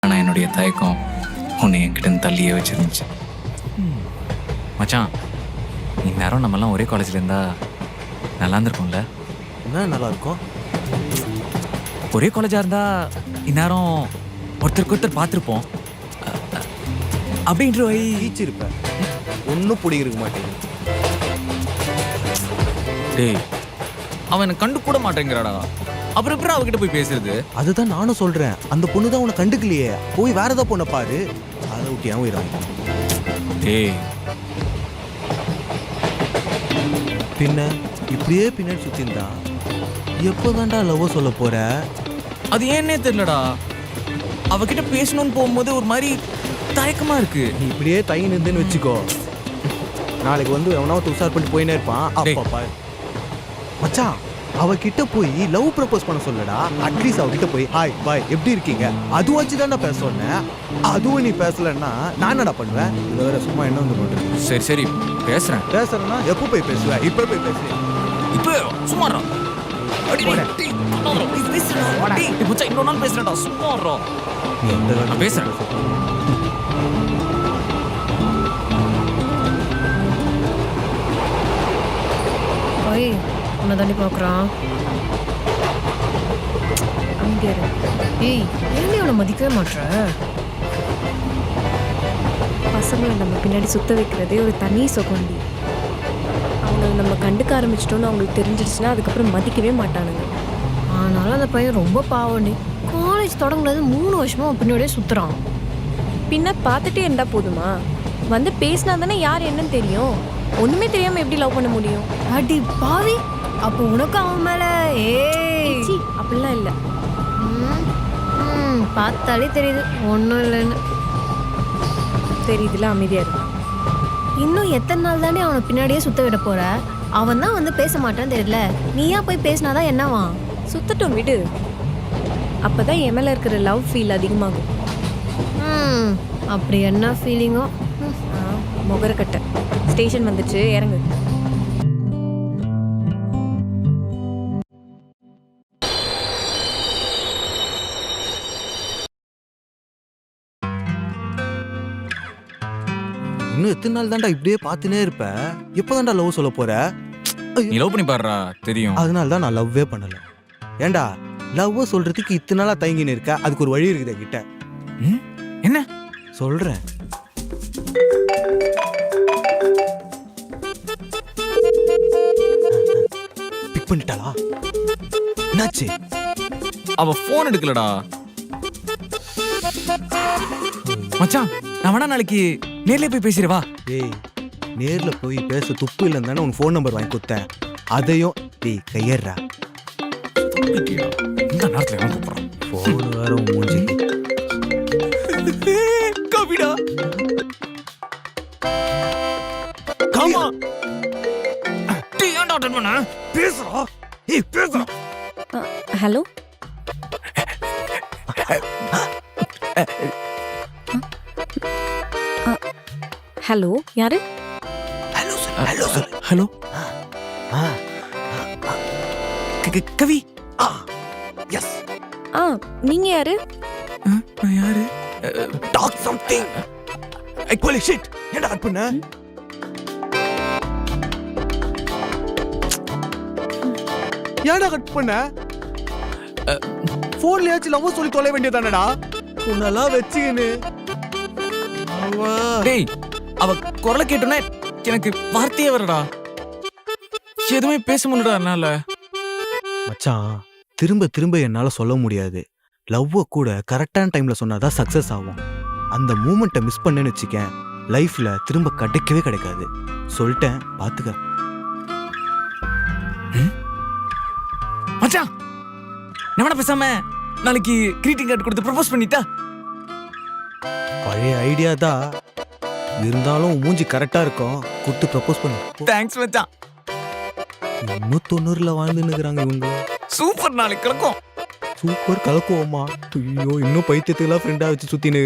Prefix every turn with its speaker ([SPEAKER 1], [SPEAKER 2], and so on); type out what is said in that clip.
[SPEAKER 1] ஆனால் என்னுடைய தயக்கம் உன்னை என்கிட்ட தள்ளியே வச்சிருந்துச்சு. மச்சான், இந்நேரம் நம்மலாம் ஒரே காலேஜில் இருந்தா நல்லா இருந்திருக்கும்ல?
[SPEAKER 2] என்ன நல்லா இருக்கும்?
[SPEAKER 1] ஒரே காலேஜாக இருந்தா இந்நேரம் ஒருத்தருக்கு ஒருத்தர் பார்த்துருப்போம். அப்படின்ற வை
[SPEAKER 2] ஈச்சிருப்பேன். ஒன்றும் பிடிக்க மாட்டேங்குது.
[SPEAKER 1] டேய், அவன் எனக்கு கண்டு கூட மாட்டேங்கிறாடா. அப்புறம் எப்படி அவகிட்ட போய் பேசுறது?
[SPEAKER 2] அதுதான் நானும் சொல்றேன். அந்த பொண்ணு தான் உன்னை கண்டுக்கலையே, போய் வேற ஏதோ பொண்ணை பாரு. அதை விட்டு ஏன் உயிராங்க?
[SPEAKER 1] டேய்,
[SPEAKER 2] பின்ன இப்படியே பின்னாடி சுத்திருந்தா எப்போதான்டா லவ் சொல்ல போற?
[SPEAKER 1] அது ஏன்னே தெரியலடா. அவகிட்ட பேசணும்னு போகும்போது ஒரு மாதிரி தயக்கமா இருக்கு.
[SPEAKER 2] நீ இப்படியே தயங்கி நின்றுன்னு வச்சுக்கோ, நாளைக்கு வந்து எவனாவது உஷார் பண்ணிட்டு போயினே இருப்பான். அப்பா பாரு மச்சான், அவகிட்ட போய் லவ் ப்ரப்போஸ் பண்ண சொல்லடா. அட்லீஸ்ட் அவகிட்ட போய் ஹாய் பாய் எப்படி இருக்கீங்க அது வச்சுதான்டா பேச சொன்னேன். அதுவும் நீ பேசலன்னா நான் என்னடா பண்ணுவேன்? இதை வேற சும்மா என்ன வந்து பண்றேன்.
[SPEAKER 1] சரி சரி பேசுறேன்.
[SPEAKER 2] பேசுறேன்னா எப்போ போய் பேசுவேன்? இப்போ போய் பேசுவேன்.
[SPEAKER 1] இப்போ சும்மாறா. இன்னொரு நாள் பேசுறேன்டா. சும்மாறா. நான் பேசுறேன்.
[SPEAKER 3] ஓய், உன்னை தாண்டி பார்க்குறான். அங்கே ஏய், ஏன் அவனை மதிக்கவே மாட்ற?
[SPEAKER 4] பசங்களை நம்ம பின்னாடி சுத்த வைக்கிறதே ஒரு தனி சுகண்டி. அவங்க நம்ம கண்டுக்க ஆரம்பிச்சிட்டோன்னு அவங்களுக்கு தெரிஞ்சிடுச்சுன்னா அதுக்கப்புறம் மதிக்கவே மாட்டானுங்க.
[SPEAKER 3] ஆனாலும் அந்த பையன் ரொம்ப பாவண்டி. காலேஜ் தொடங்குனது 3 வருஷமா அவன் பின்னாடியே சுற்றுறான்.
[SPEAKER 4] பின்ன பார்த்துட்டே இருந்தா போதுமா? வந்து பேசினா தானே யார் என்னன்னு தெரியும். ஒன்றுமே தெரியாமல் எப்படி லவ் பண்ண முடியும்?
[SPEAKER 3] அடி பாவி, அப்போ உனக்கு அவன் மேலே
[SPEAKER 4] சி அப்படிலாம் இல்லை.
[SPEAKER 3] பார்த்தாலே தெரியுது ஒன்றும் இல்லைன்னு.
[SPEAKER 4] தெரியுதுல, அமைதியாக இருக்கு.
[SPEAKER 3] இன்னும் எத்தனை நாள் தானே அவனை பின்னாடியே சுத்த விட போற? அவன் தான் வந்து பேச மாட்டான்னு தெரியல. நீயா போய் பேசினாதான் என்னவா?
[SPEAKER 4] சுத்தட்டும் விடு. அப்போ தான் என் மேலே இருக்கிற லவ் ஃபீல் அதிகமாகும்.
[SPEAKER 3] அப்படி என்ன ஃபீலிங்கோ?
[SPEAKER 4] முகரக்கட்டை ஸ்டேஷன் வந்துச்சு, இறங்கு.
[SPEAKER 2] இன்னும் எத்தனை நாள் தான்டா இப்படியே பார்த்துனே இருப்ப? எப்போதான்டா லவ் சொல்ல போற?
[SPEAKER 1] நீ லவ் பண்ணி பாடுறா, தெரியும்.
[SPEAKER 2] அதனால தான் நான் லவ்வே பண்ணல. ஏண்டா லவ் சொல்றதுக்கு இத்தனை நாளா தயங்கின்னு இருக்க? அதுக்கு ஒரு வழி இருக்குது கிட்ட.
[SPEAKER 1] என்ன
[SPEAKER 2] சொல்றேன். பிக் பண்ணிட்டாளா? என்னாச்சு?
[SPEAKER 1] அவ போன் எடுக்கலடா. மச்சான், நான் வேணா நாளைக்கு நேர்ல போய் பேசிடுவா.
[SPEAKER 2] டேய், நேர்ல போய் பேச துப்பு இல்லைன்னு தானே உன் ஃபோன் நம்பர் வாங்கி கொடுத்தேன். அதையும் டேய் கையறா.
[SPEAKER 1] இந்த நேரத்துல எவன் கூப்பிடுறான்?
[SPEAKER 2] ஃபோன் வேற உன் மூஞ்சிக்கு.
[SPEAKER 1] கவிடா, காமா டீ ஏன்டா அட்டெண்ட் பண்ண?
[SPEAKER 2] பேசுறா. ஏய் பேசுறா.
[SPEAKER 4] ஹலோ, ஹலோ, யாரு?
[SPEAKER 2] ஹலோ சொல்லு. ஹலோ சொல்லு.
[SPEAKER 1] ஹலோ கவி.
[SPEAKER 2] எஸ்.
[SPEAKER 4] நீங்க யாரு?
[SPEAKER 1] நான் யாரு?
[SPEAKER 2] Talk something. I holy shit. என்ன கட் பண்ண? ஏன்டா கட் பண்ண? போன்லயாச்சும் லவ் சொல்லி தொலை வேண்டியதானடா. உன்னெல்லாம் வச்சுக்கின்னு
[SPEAKER 1] டேய், அவ குரலை கேட்டோன்னே எனக்கு வார்த்தையே வரடா. எதுவுமே பேச முடியலடா என்னால.
[SPEAKER 2] மச்சான், திரும்ப திரும்ப என்னால சொல்ல முடியாது. லவ்வ கூட கரெக்டான டைம்ல சொன்னாதான் சக்சஸ் ஆகும். அந்த மூமெண்ட்டை மிஸ் பண்ணேன்னு வச்சுக்கேன், லைஃப்ல திரும்ப கிடைக்கவே கிடைக்காது. சொல்லிட்டேன், பாத்துக்க.
[SPEAKER 1] மச்சான், நான் வேணா பேசாம நாளைக்கு கிரீட்டிங் கார்டு கொடுத்து ப்ரப்போஸ் பண்ணிட்டா?
[SPEAKER 2] பழைய ஐடியா தான் இருந்தாலும் மூஞ்சி கரெக்டா இருக்கும். கொடுத்து ப்ரப்போஸ் பண்ணு.
[SPEAKER 1] தேங்க்ஸ் மச்சான்.
[SPEAKER 2] இன்னும் 90ல வாழ்ந்துன்னு இருக்கிறாங்க இவங்க.
[SPEAKER 1] சூப்பர், நாளைக்கு கிளக்கும்.
[SPEAKER 2] சூப்பர் கலக்குவோமா? ஐயோ, இன்னும் பைத்தியத்துக்குலாம் ஃப்ரெண்டா வச்சு சுத்தினு